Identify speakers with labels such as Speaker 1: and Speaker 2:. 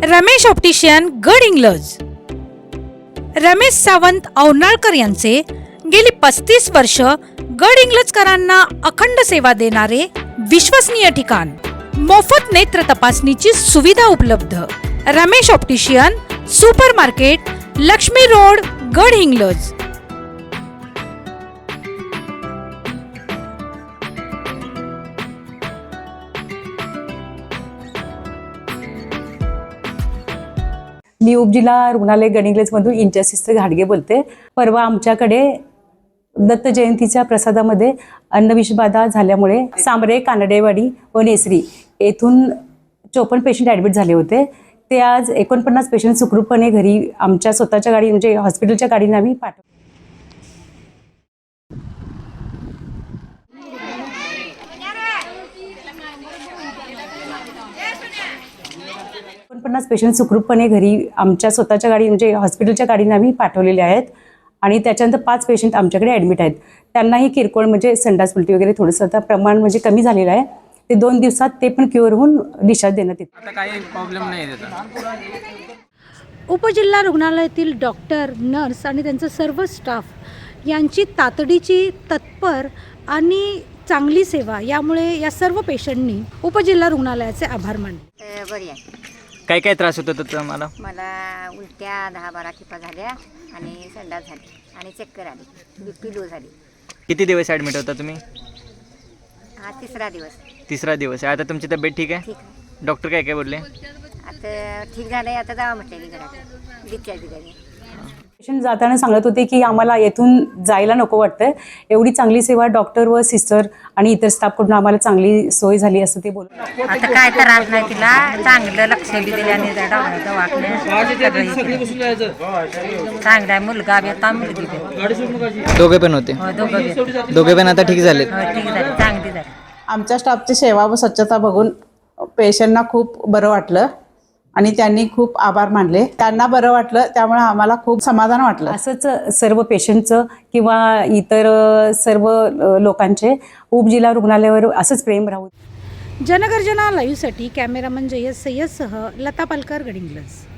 Speaker 1: Ramesh optician Gadhinglaj. Ramesh Sawant Aunalkar यांचे गेली 35 वर्ष गडहिंग्लजकरांना अखंड सेवा देणारे विश्वसनीय ठिकाण। मोफत नेत्र तपासणीची सुविधा उपलब्ध। Ramesh optician super market, Laxmi road, Gadhinglaj.
Speaker 2: मी उपजिल्हा रुग्णालय गडहिंग्लजमधून इंचार्ज सिस्टर घाडगे बोलते। परवा आमच्याकडे दत्त जयंतीच्या प्रसादामध्ये अन्नविषबाधा झाल्यामुळे सांबरे, कानडेवाडी व नेसरी येथून 54 पेशंट ॲडमिट झाले होते। ते आज 49 पेशंट सुखरूपपणे घरी आमच्या स्वतःच्या गाडी म्हणजे हॉस्पिटलच्या गाडीने आम्ही पाठवले। 49 पेशंट सुखरूपपणे घरी आमच्या स्वतःच्या गाडी म्हणजे हॉस्पिटलच्या गाडीने आम्ही पाठवलेले आहेत आणि त्याच्यानंतर 5 पेशंट आमच्याकडे ॲडमिट आहेत। त्यांनाही किरकोळ म्हणजे संडास उलटी वगैरे थोडंसं आता प्रमाण म्हणजे कमी झालेलं आहे। ते 2 दिवसात ते पण क्युअर होऊन डिस्चार्ज देण्यात येते।
Speaker 3: आता काही प्रॉब्लेम नाही त्याचा।
Speaker 1: उपजिल्हा रुग्णालयातील डॉक्टर, नर्स आणि त्यांचा सर्व स्टाफ यांची तातडीची, तत्पर आणि चांगली सेवा यामुळे या सर्व पेशंटनी उपजिल्हा रुग्णालयाचे आभार मानले।
Speaker 4: बरी आहे।
Speaker 3: काय काय त्रास होत होता तुम्हाला?
Speaker 4: मला उलट्या 10-12 खेपा झाल्या आणि संडास झाली आणि चक्कर आली, बीपी लो झाली।
Speaker 3: किती दिवस ॲडमिट होता तुम्ही?
Speaker 4: हा तिसरा दिवस।
Speaker 3: तिसरा दिवस आहे। आता तुमची तब्येत ठीक आहे?
Speaker 4: ठीक आहे,
Speaker 3: डॉक्टर काय काय बोलले?
Speaker 4: आता ठीक झालं आहे। आता जावा म्हटलेली घरात डिस्चार्ज दिली।
Speaker 2: पेशंट जाताना सांगत होते की आम्हाला येथून जायला नको वाटतंय, एवढी चांगली सेवा डॉक्टर व सिस्टर आणि इतर स्टाफकडून आम्हाला चांगली सोय झाली असं ते बोलत।
Speaker 4: आता काय त्रास नाही तिला, चांगलं लक्ष बी दिल्याने दवाखान्यात चांगला मुलगा बी आता मुलगी बी
Speaker 3: दोघे पण होते? दोघे पण आता ठीक झाले?
Speaker 4: ठीक झाली, चांगली झाली।
Speaker 5: आमच्या स्टाफची सेवा व स्वच्छता बघून पेशंटना खूप बरं वाटलं आणि त्यांनी खूप आभार मानले। त्यांना बरं वाटलं त्यामुळे आम्हाला खूप समाधान वाटलं।
Speaker 2: असंच सर्व पेशंटचं किंवा इतर सर्व लोकांचे उपजिल्हा रुग्णालयावर असंच प्रेम राहू।
Speaker 1: जनगर्जना लाईव्हसाठी कॅमेरामन जयस सय्यदसह लता पालकर, गडहिंग्लज।